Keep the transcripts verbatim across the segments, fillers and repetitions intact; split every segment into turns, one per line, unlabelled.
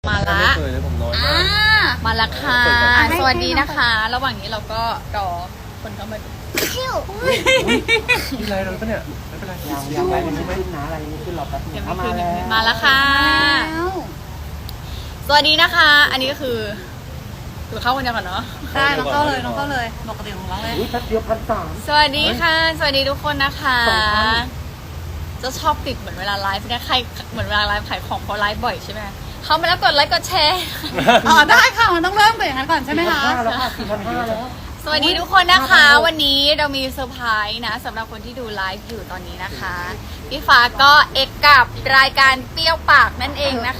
มาละ
ไม่เคยเลยผมน้อยมาก
มาละค่ะสวัสดีนะคะ ระหว่างนี้เราก็รอคนเข้ามาดู
มีอะไรเราปะเนี่ยไม่เป็นไร
ยังยังอะไรไม่ขึ้นนะอะไรไม่ขึ้นหรอกแป๊บนึ
ยัง
ง
ไม่
เอามา
คืน
แล้ว
มาแล้วค่ะ สวัสดีนะคะ อันนี้ก็คือคือเข้าคนเดียวก่อนเนาะ
ได้น้องเข้าเลยน้องเข้าเลยปกติของเราเลย
อุ้ยแป๊บเดียวพันสาม
สวัสดีค่ะ สวัสดีทุกคนนะคะ
สองพัน
จะชอบติดเหมือนเวลาไลฟ์นะใครเหมือนเวลาไลฟ์ขายของเพราะไลฟ์บ่อยใช่ไหมเข้ามาแล้วกดไลค์กดแชร์
อ๋อได้ค่ะมันต้องเริ่มเป็นอย่างนั้นก่อนใช่ไหมคะ
สี่พันห้าแล้วค่ะสี่พันห้าแล้ว
สวัสดีทุกคนนะคะ วันนี้เรามีเซอร์ไพรส์นะสำหรับคนที่ดูไลฟ์อยู่ตอนนี้นะคะพี่ฟ้าก็เอกกับรายการเปรี้ยวปากนั่นเองนะคะ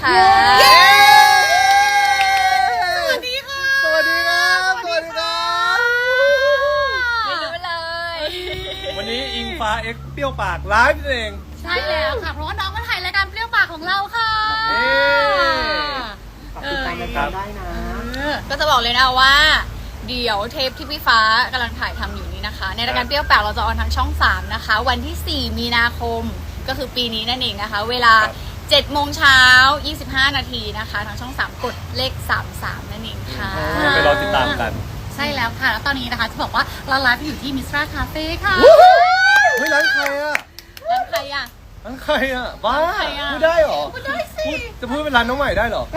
สวัสดีค่ะ
สวัสดีครับสวัสดีครับ
ไม่รู้เลย
วันนี้อิงฟ้าเอ็กซ์เปรี้ยวปากไลฟ์เอง
ใช่แล้วค่ะเพราะว่าน้องมาถ่ายรายการเปรี้ยวปากของเราค่ะ
เอ๊ะ
ฝากติดตามรายการได้นะ
ก็จะบอกเลยนะว่าเดี๋ยวเทปที่พี่ฟ้ากำลังถ่ายทำอยู่นี้นะคะ ในรายการเปรี้ยวปากเราจะออนทางช่องสามนะคะ วันที่สี่มีนาคมก็คือปีนี้นั่นเองนะคะ เวลาเจ็ดโมงเช้ายี่สิบห้านาทีนะคะทางช่องสามกดเลขสามสิบสามนั่นเองค่ะ
ไปรอติดตามกัน
ใช่แล้วค่ะแล้วตอนนี้นะคะจะบอกว่าเราไลฟ์อยู่ที่มิสตราคาเฟ่ค่ะ
เฮ้ยร้านใครอ่ะ
แล้วใครอ่ะ
ร้านใครอ่ะบ้า
ใครอะ
พูดได้เหรอ
พูดได้สิ
พูดจะพูดเป็นร้านน้องใหม่ได้เหรอ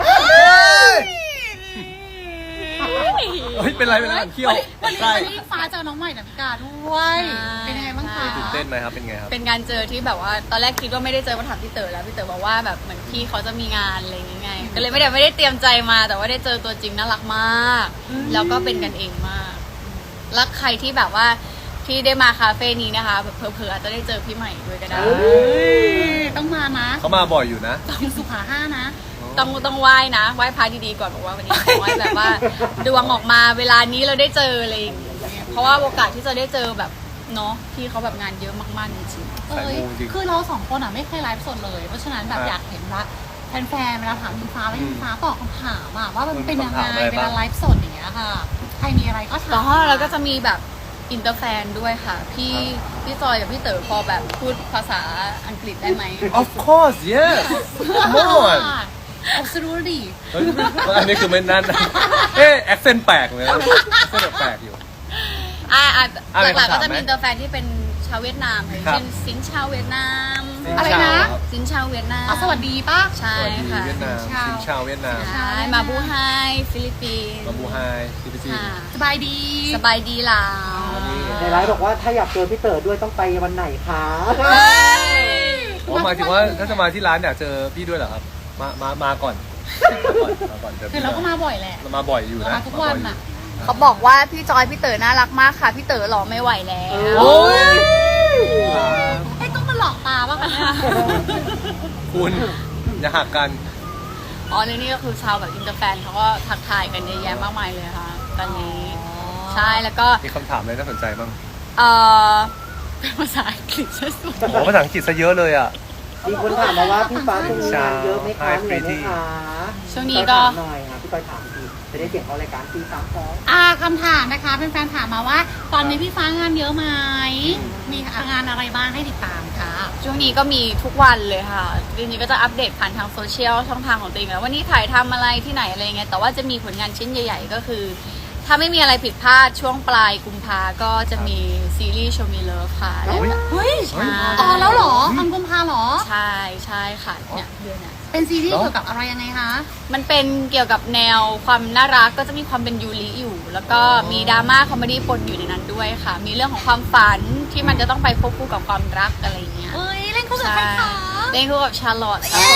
เฮ้ยเป็นไรเป็นไรเที่ยว
วันนี้
ใช่
วันนี้ฟ้าเจอน้องใหม่ดาวิกาด้วย เป็นยังไงบ้างคะ
ตื่นเต้นไหมครับเป็นไงครับ
เป็นการเจอที่แบบว่าตอนแรกคิดว่าไม่ได้เจอมาถามพี่เต๋อแล้วพี่เต๋อบอกว่าแบบเหมือนพี่เขาจะมีงานอะไรอย่างเงี้ยไงก็เลยไม่ได้ไม่ได้เตรียมใจมาแต่ว่าได้เจอตัวจริงน่ารักมาก แล้วก็เป็นกันเองมากแล้วใครที่แบบว่าที่ได้มาคาเฟ่นี้นะคะเผลอๆอาจจะได้เจอพี่ใหม่ด้วยก็ได้
เฮ้ยต้องมานะ
เขามาบ่อยอยู่นะ
อยู่สุขาห้านะ
ต้องต้องไหว้นะไหว้พระดีๆก่อนบอกว่าวันนี้ขอไหว้แบบว่าดวงออกมาเวลานี้เราได้เจออะไรอย่างเงี้ยเพราะว่าโอกาสที่จะได้เจอแบบเนาะพี่เขาแบบงานเยอะมากๆจริง
เอ้ย
สายมูจริง
คือเราสองคนอ่ะไม่เคยไลฟ์สดเลย เพราะฉะนั้นแบบ
ครับ
อยากเห็นว่าแฟนๆเวลาถามอิงฟ้าแล้ว
อืม
อิงฟ้าตอบคำถามอ่ะว่ามันเป็นยัง
คำ
ไง
ถามอะไร
เว
บ้า
ลาง ไลฟ์สดอย่างเงี้ยค่ะ ใครมีอะไรก็
ๆ
ถาม
แล้วเราก็จะมีแบบอินเตอร์แฟนด้วยค่ะ พี่พี่จอยกับพี่เต๋อพอแบบพูดภาษาอังกฤษได้ไหม
Of course yes come on
อับสูรูดี
เฮ้ยอันนี้คือไม่นั่นนะเอ๊ะแอคเซนต์แปลกเลยนะแอคเซนต์แปลกอยู่
อ่าอ่า
อะไร
หลักๆ
คำถาม
ก็จะมี
ไหม
อินเตอร์แฟนที่เป็นชาวเวียดนามอย่าง
ครับ
เช่นสินชาวเวียดนาม
อะไรนะ
สินชาวเวียดนาม
อ๋อสวัสดีป่ะ
ใช่
สวัสดี
ค่ะ
เวียดนาม
ชาว
ชินชาวเวียดนาม
ใช่มาบูไฮฟิลิปปินส์
มาบูไฮซีพีซี
ค่ะ
สบายดี
สบายดีลาว
ในไลฟ์บอกว่าถ้าอยากเจอพี่เต๋อด้วยต้องไปวันไหนคะ
อ๋อหมายถึงว่าถ้าจะมาที่ร้านอยากเจอพี่ด้วยเหรอครับ มา มา มาก่อน มาก่อนเจอ
คือ
พี่
เราก็มาบ่อยแหละ
เรามาบ่อยอยู่นะ
มาทุกวัน
มาบ่อย
อ่ะ
อยู่
เขาบอกว่าพี่จอยพี่เต๋อน่ารักมากค่ะ พี่เต๋อหล่อไม่ไหวแล้ว
โอ้ย
ไอ้ต้องมาหลอกตาป่ะคะเนี่ย
คุณอย่าหักกัน
อ๋อแล้วนี่ก็คือชาวแบบอินเตอร์แฟนเขาก็ทักทายกันเยอะแยะมากมายเลยค่ะ ตอนนี้ ใช่แล้วก็
มีคำถามอะไรน่าสนใจบ้าง
เออเป็นภาษาอังกฤษซะส่วนให
โอ้
ญ่
ภาษาอังกฤษซะเยอะเลยอ่ะ
มีคนถามมาว่าพี่ฟ้าตรงนี้งานเยอะไหมคะเหนื่อยไหมคะ
ช่วงนี้ก็
พี่จอยถามหน่อยค่ะพี่จอยถามทีจะได้เก็บเอารายการตีสามสอง
อ่าคำถามนะคะเป็นแฟนถามมาว่า ตอนนี้พี่ฟ้างานเยอะไหมมีงานอะไรบ้างให้ติดตามคะ
ช่วงนี้ก็มีทุกวันเลยค่ะทีนี้ก็จะอัปเดตผ่านทางโซเชียลช่องทางของตัวเองแล้ววันนี้ถ่ายทำอะไรที่ไหนอะไรเงี้ยแต่ว่าจะมีผลงานชิ้นใหญ่ๆก็คือ ถ้าไม่มีอะไรผิดพลาดช่วงปลายกุมภาก็จะมีซีรีส์ Show Me Love ค่ะแล้ว
เฮ้ย
ใช่
อ๋อแล้วเหรอทำกุมภาเหรอ
ใช่ใช่ค่ะเนี่ยเดือนน่ะ
เป็นซีรีส์
เหรอ
เกี่ยวกับอะไรยังไงคะ
มันเป็นเกี่ยวกับแนวความน่ารักก็จะมีความเป็นยูริอยู่ แล้วก็มีดราม่าคอมเมดี้ปนอยู่ในนั้นด้วยค่ะ มีเรื่องของความฝันที่มันจะต้องไปควบคู่กับความรักอะไรอย่างเงี้ย
เอ้ยเล่นคู่กับใครคะ
เล่นคู่กับชาร์ลอตครับ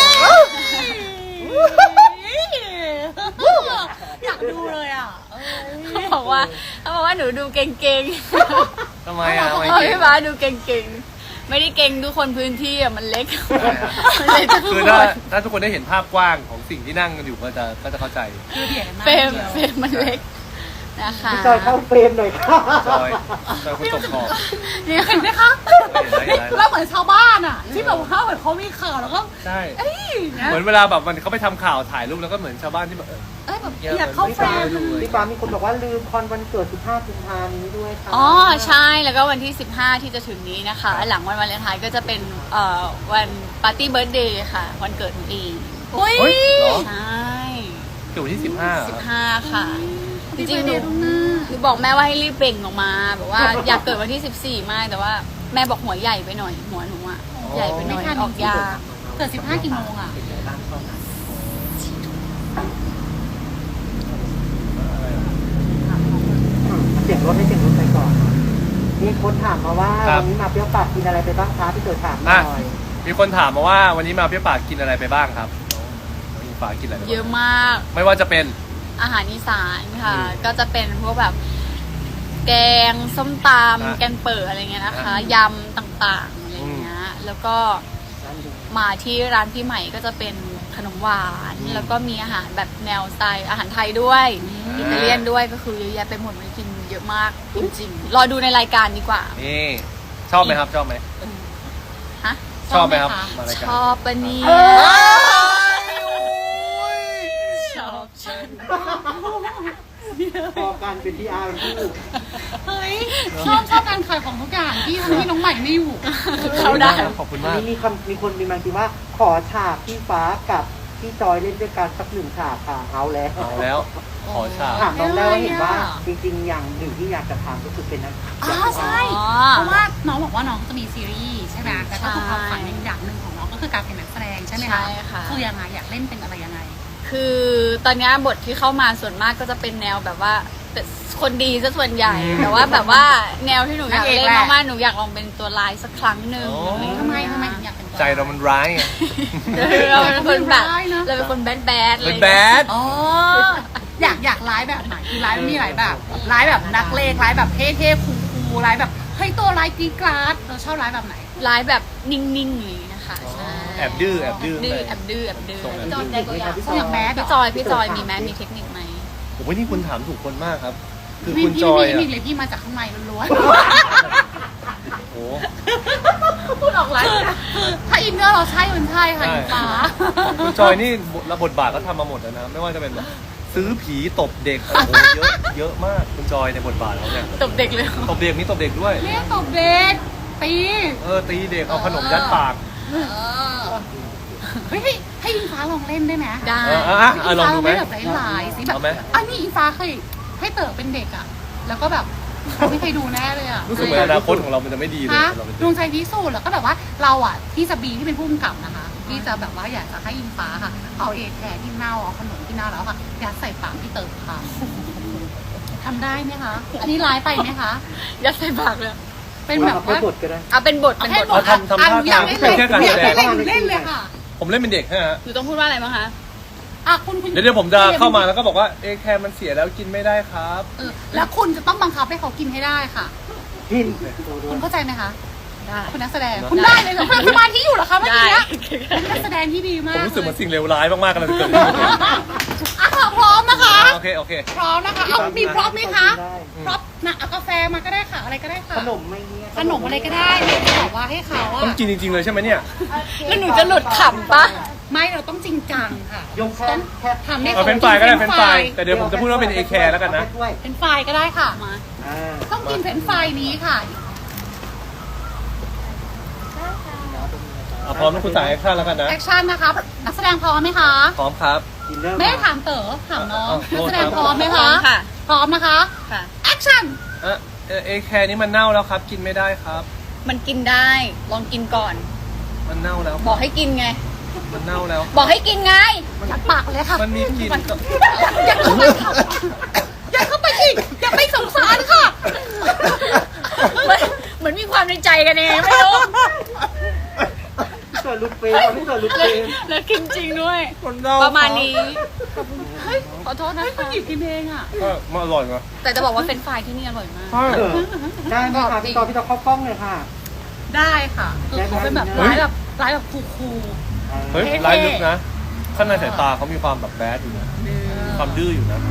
ผม
อยากดูเลยอ่ะเอ้ย
เขาบอกว่าเขาบอกว่าหนูดูเก่ง
ทำไมอ่ะทำไม
ๆเพราะ
เก่ง
พี่ฟ้าดูเก่งๆไม่ได้เก่งทุกคนพื้นที่อ่ะมันเล็กมันเล็กทุก
คือ
ค
ถ้าน ถ้าทุกคนได้เห็นภาพกว้างของสิ่งที่นั่งกันอยู่ก็จะก็จะเข้าใจ
คือเดียดมาก
เฟรม
เดียว
เฟรมมันเล็กนะคะ
พี่จอยเข้าเฟรมหน่อยค่ะ
จอยจอยคนตกขอบ
เนี่ยเห็นไหมคะ
เห็นไหมเห็นไหม
เราเหมือนชาวบ้านอ่ะ ที่แบบว่าเหมือนเขามีข่าวแล้วก็
ใช่
เอ้ยนะ
เหมือนเวลาแบบมันเขาไปทำข่าวถ่ายรูปแล้วก็เหมือนชาวบ้านที่แบบเออ
เอ้ยแบบ
เยอะ
อยากเข้าเฟรม
เลย
พี่ฟ้ามีคนบอกว่าลืมคอนวันเกิดสิบห้ากุมภาพันธ์นี้ด้วยค่ะ
อ๋อใช่แล้วก็วันที่สิบห้าที่จะถึงนี้นะคะ หลังวันวาเลนไทน์ก็จะเป็นเอ่อวันปาร์ตี้เบิร์ธเดย์ค่ะวันเกิดหนูเอง
อุ้ย
เฮ้ยเหรอ
ใช่
อยู่ที่สิบห้า
สิบห้าค่ะจริงๆห
เด
นู
ย์ล่วงหน้า
หนูบอกแม่ว่าให้รีบเบ่งออกมาแบบว่าอยากเกิดวันที่สิบสี่มากแต่ว่าแม่บอกหัวใหญ่ไปหน่อยหัวหนูอะใหญ่ไปหน่อยออกยาก
เกิดสิบห้ากี่โมงอ่ะ
เป็นไงบ้างช่วงนั้นเสียงรถให้เสียงรถไปก่อนมีคนถามมาว่า
ครับ
วันนี้มาเปรี้ยวปากกินอะไรไปบ้างคะพี่เต๋อถามหน่
อ่ะ
อย
มีคนถามมาว่าวันนี้มาเปรี้ยวปากกินอะไรไปบ้างครับน้องอิงฟ้ากินอะไรไปบ้าง
เยอะมาก
ไม่ว่าจะเป็น
อาหารอีสานค่ะ
อืม
ก็จะเป็นพวกแบบ แกงส้มต
อ่ะ
ำแกงเปิดอะไรเงี้ยนะคะ
อ่ะ
ยำต่างๆอะไรเงี้ยแล้วก็
ร้านดู
มาที่ร้านพี่ใหม่ก็จะเป็นขนมหวาน
อืม
แล้วก็มีอาหารแบบแนวสไตล์อาหารไทยด้วย
ม
อิตาเลียนด้วยก็คือเยอะแยะไปหมดมันกินเยอะมากจริงๆรอดูในรายการดีกว่า
นี่ชอบไหมครับชอบไหม
ฮะ
ชอบไหมครับ
ชอบไหมคะ
มาราย
ช
การ
อบปะเนี่ย
เอ้ย
ชอบฉัน
พอกันเป็นที่อาร์เป็นผู้
เฮ้ยชอบชอบการขายของทุกอย่างที่ทำให้น้องใหม่ไม่อยู่
เขาได้
ขอบคุณ
อัน
มาก
นี้มีคำมีคนมีมาคิดว่า ขอฉากพี่ฟ้ากับพี่จอยเล่นด้วยกันสักหนึ่งฉากค่ะเอาแล้ว
เอาแล้วขอฉาก
ถามน้องได้ว่าเห็นว่า
อะไรอ่ะ
จริงๆ อย่างหนึ่งที่อยากจะทำก็คือเป็นนัก
อ๋อใช่
อ๋อ
เพราะว่าน้องบอกว่าน้องจะมีซีรีส์ใช่ไหมแต่ก็คือ
ใช่
ความฝันในอย่างหนึ่งของน้องก็คือการเป็นนักแสดงใช่ไหมคะ
ใช่ค่ะ
คือยังไงอยากเล่นเป็นอะไรยังไง
คือตอนเนี้ยบทที่เข้ามาส่วนมากก็จะเป็นแนวแบบว่าเป็นคนดีซะส่วนใหญ่
อืม
แต่ว่าแบบว่าแนวที่หนูอยาก
นางเอก
เล่น
แหละ
มากๆหนูอยากลองเป็นตัวร้ายสักครั้งหนึ่ง
โอ้
อะไรอย่าง
ทำไม
เงี้ย
ทำไมถึงอยากเป็นตัว
ใจเรามันร้ายไง
เราเป็นคนแบบ
ร้ายนะ
เราเป็นคนแบดแบดๆ
เป็น
เลย
แบด
อ๋ออยากอยากร้ายแบบไหนคือร้ายมันมีหลายแบบร้ายแบบนักเลงร้ายแบบเท่ๆคูลๆร้ายแบบเฮ้ยตัวร้ายกรีดกราดเราชอบร้ายแบบไหน
ร้ายแบบนิ่งๆเลยนะคะใช่
แอบดื้อแอบดื้อ
ดื้อ
ไป
แอบดื้อแอบดื้อ
ส่งแอบ
พี่จ
ดื้
อย
อ
ได้ตัวอย่าง
ตัวอย่างแบดเหร
พี่จอยพี่จอยมีแม้มีเทคนิคไหม
โอ้โหนี่คุณถามถูกคนมากครับ คือ
พี่
คุณ
พี่
จอย
พี่
อ่ะ
พี่เลยพี่มาจากข้างในล้วน
โอ้
ๆพูดออกร้ายถ้าอินเนอร์เราใช่มันใช่ค่ะอินฟ้า
คุณจอยนี่ระบทบาทก็ทำมาหมดแล้วนะ ไม่ว่าจะเป็นแบบซื้อผีตบเด็กโอ้โหเยอะเยอะมากคุณจอยในบทบาทเขาเนี่ย
ตบเด็กเลย
ตบเด็กนี่ตบเด็กด้วย
เนี่ยตบเด็กตี
เออตีเด็กเอาขนมยัดปาก
เฮ้ยให้ให้อิงฟ้าลองเล่นได้ไหม
ได้
เออเอออ่ะเออลองดูไหม
ให้แบบหลายๆสิแบบ
เอาไหม
อันนี้อิงฟ้าเคยให้เต๋อเป็นเด็กอ่ะ แล้วก็แบบไม่เคยดูแน่เลยอ่ะ
รู้สึกเหมือนอนาคตของเรามันจะไม่ดีเลย
ฮะ
เราเป็น
ด
เด็
วง
ก
ใจพิสูจน์แล้วก็แบบว่าเราอ่ะที่จะบีที่เป็นผู้กำกับนะคะ ที่จะแบบว่าอยากจะให้อิงฟ้าค่ะ เอาเอแคร์ที่เน่าเอาขนมที่เน่าแล้วค่ะยัดใส่ปากพี่เต๋อค่ะทำได้ไหมคะ อันนี้ร้ายไปไหมคะ
ยัดใส่ปากเลย
เป็นแบบ
เอา
ว่า
ไปบทก็ได้
เอาเป็นบท
เอา
เป็น
แค่
บบ ท
ท
ทำทำท่า
อยากเล่นเลย
แค่การ
อยาก
แสดง
เล่นเลยเล่นเลยค่ะ
ผมเล่นเป็นเด็กฮะ
หนูต้องพูดว่าอะไรบ้างคะ
อ่ะคุณคุณ
เดี๋ยวเดี๋ยวผมจะเข้ามาแล้วก็บอกว่าเอแคร์มันเสียแล้วกินไม่ได้ครับ
เออแล้วคุณจะต้องบังคับให้เขากินให้ได้ค่ะ
พิน
คุณเข้าใจไหมคะ
ได้
คุณนักแสดง
ได้
คุณได้เลยเหรอคุณสมาธิอยู่เหรอคะเมื่อ
ได้
กี้เป็นนักแสดงที่ดีมา
ผม
ก
รู้สึกเห
เล
มือย นสิ่งเลวร้ายมากๆกำลังจะเกิดขึ้น
อ่ะค่ะพร้อมนะคะ
โอเคโอเค
พร้อมนะคะเอามีพร้อมไหมคะ
ได้
พร้อมนะเอากาแฟมาก็ได้ค่ะ อะไรก็ได้ค่ะ
ขนมไม่เนี่ย
ขนมอะไรก็ได้เราจะบอกว่าให้เขาอะ
ต้องกินจริงๆเลยใช่ไหมเนี่ย
แล้วหนูจะหลุดขำปะ
ไม่เราต้องจริงจังค่ะ
ยกแค่แค่
ทำให้
เอาเป็นไฟก็ได้เป็นไฟแต่เดี๋ยวผมจะพูดว่าเป็นเอแคร์แล้วกันนะ
ด้วย
เป็นไฟก็ได้ค่ะ
มา
อ่า
ต้องกินเป็นไฟนี้ค่ะ
เอาพร้อมแล้วคุณสายแอคชั่นแล้วกันนะ
แอคชั่นนะคะนักแสดงพร้อมไหมคะ
พร้อมครับ
ดินเนอร์
ไม่ได้ถามเต๋อถามน้อง
เอา
นักแสดง
โทษครับ
พร้อมไหม
พร้อ
คะ
มค่ะ
พร้อมนะคะ
ค่ะ
แอคชั่น
เออเอแคร์นี้มันเน่าแล้วครับ กินไม่ได้ครับ
มันกินได้ลองกินก่อน
มันเน่าแล้ว
บอกให้กินไง
มันเน่าแล้ว
บอกให้กินไง
ยัดปากเลยค่ะ
มันมีกลิ่นกับ
ยัดเข้าไปค่ะยัดเข้าไปอีกอย่าไปสงสารค่ะ
เหมือนเหมือนมีความในใจกันเองไม่รู้
พี่เต๋อลูกเฟรมพี่เต๋อลูกเฟรม
แล้วกินจริงด้วย
มันเน่า
ประมาณนี้เฮ้ยขอโทษนะ
ให้คุณ
คะ
หยิบกินเองอ่ะ
ก็มันอร่อยไง
แต่จะบอกว่าเฟรนช์ฟรายที่นี่อร่อยมาก
ใช่
เออได้ไหมคะพี่ตอพี่ตอเข้ากล้องเลยค่ะ
ได้ค่ะคือเขาเป็นแบบร้ายแบบร้ายแบบคูล
เฮ้ย
เท่ๆ
ร้ายลึกนะ ข้างในสายตาเขามีความแบบแบดอยู่นะความดื้ออยู่นะ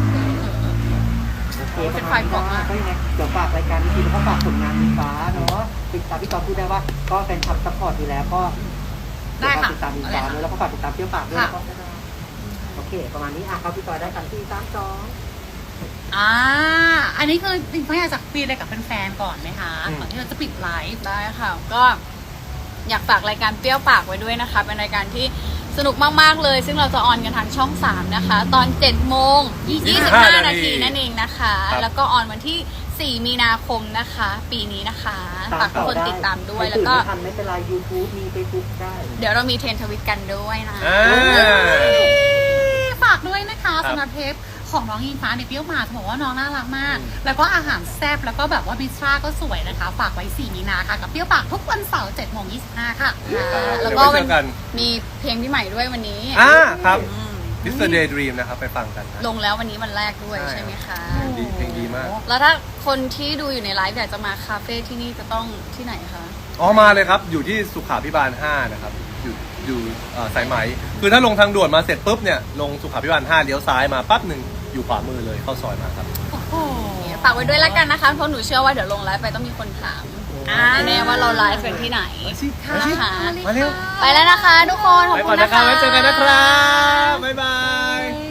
เป็นไฟบอกมา
ก็ยังไงเดี๋ยวฝากรายการนี้ทีแล้วก็ฝากผลงานมีฟ้าเนาะติดตามพี่ตอพูดได้ว่าก็แฟนคลับซัพพอร์ตอยู่แล้วก็
ได้ค่ะ
ติดตามมีฟ้าด้วยแล้วก็ฝากติดตามเปรี้ยวปากด้วยก็ได้โอเค ประมาณนี้อ่ะเขาพี่ตอได้กันที่สามสอง
อ่า อันนี้คือจริงๆอยากจะคุยอะไรกับแฟนๆก่อนไหมคะ
อืม
ก่อนที่เราจะปิดไลฟ์
ได้ค่ะ ก็อยากฝากรายการเปรี้ยวปากไว้ด้วยนะคะ เป็นรายการที่สนุกมากๆเลย ซึ่งเราจะออนกันทางช่องสามนะคะ ตอนเจ็ดโมงยี่สิบห้านาทีนั่นเองนะคะ แล้วก็ออนวันที่สี่มีนาคมนะคะ ปีนี้นะคะฝากทุกคนติดตามด้วยแล้วก็
ไม่ทันไม่เป็นไร YouTube มี Facebook ได้
เดี๋ยวเรามีเทรนทวิตกันด้วยนะ
อ่า
ฝากด้วยนะคะ
ครับ
สำหรับเทปของน้องอิงฟ้าในเปรี้ยวหมาจะบอกว่าน้องน่ารักมาก แล้วก็อาหารแซ่บแล้วก็แบบว่าบิสตราก็สวยนะคะ ฝากไว้สี่มีนาค่ะ กับเปรี้ยวปากทุกวันเสาร์เจ็ดโมงยี่สิบห้าค่ะ
แล้วก็
เดี๋ยวไว้เจอกัน
มีเพลงพี่ใหม่ด้วยวันนี้
อ่าครับ
อืม
มิสเตอร์ Daydream นะครับไปฟังกันนะ
ลงแล้ววันนี้วันแรกด้วย
ใช่
ใช่ไหมคะ
ดีเพลงดีมาก
แล้วถ้าคนที่ดูอยู่ในไลฟ์อยากจะมาคาเฟ่ที่นี่จะต้องที่ไหนคะ
อ๋อมาเลยครับ อยู่ที่สุขาพิบาลห้านะครับ อยู่อยู่เอ่อสายไหม คือถ้าลงทางด่วนมาเสร็จปุ๊บเนี่ย ลงสุขาพิบาลห้าเลี้ยวซ้ายมาปั๊บหนึ่งอยู่ขวามือเลยเข้าซอยมาครับ
โอ้โห
ฝากไว้ด้วยแล้วกันนะคะ เพราะหนูเชื่อว่าเดี๋ยวลงไลฟ์ไปต้องมีคนถามอ่าแน่ว่าเราไลฟ์กันที่ไหน
มาสิ
ค่ะ
มาเร็ว
ไปแล้วนะคะทุกคน ขอบ
ไป
คุ
ก่อน
ณ
นะ
นะ
ครับ
คะ
ไว้เจอกันนะครับ บ๊ายบาย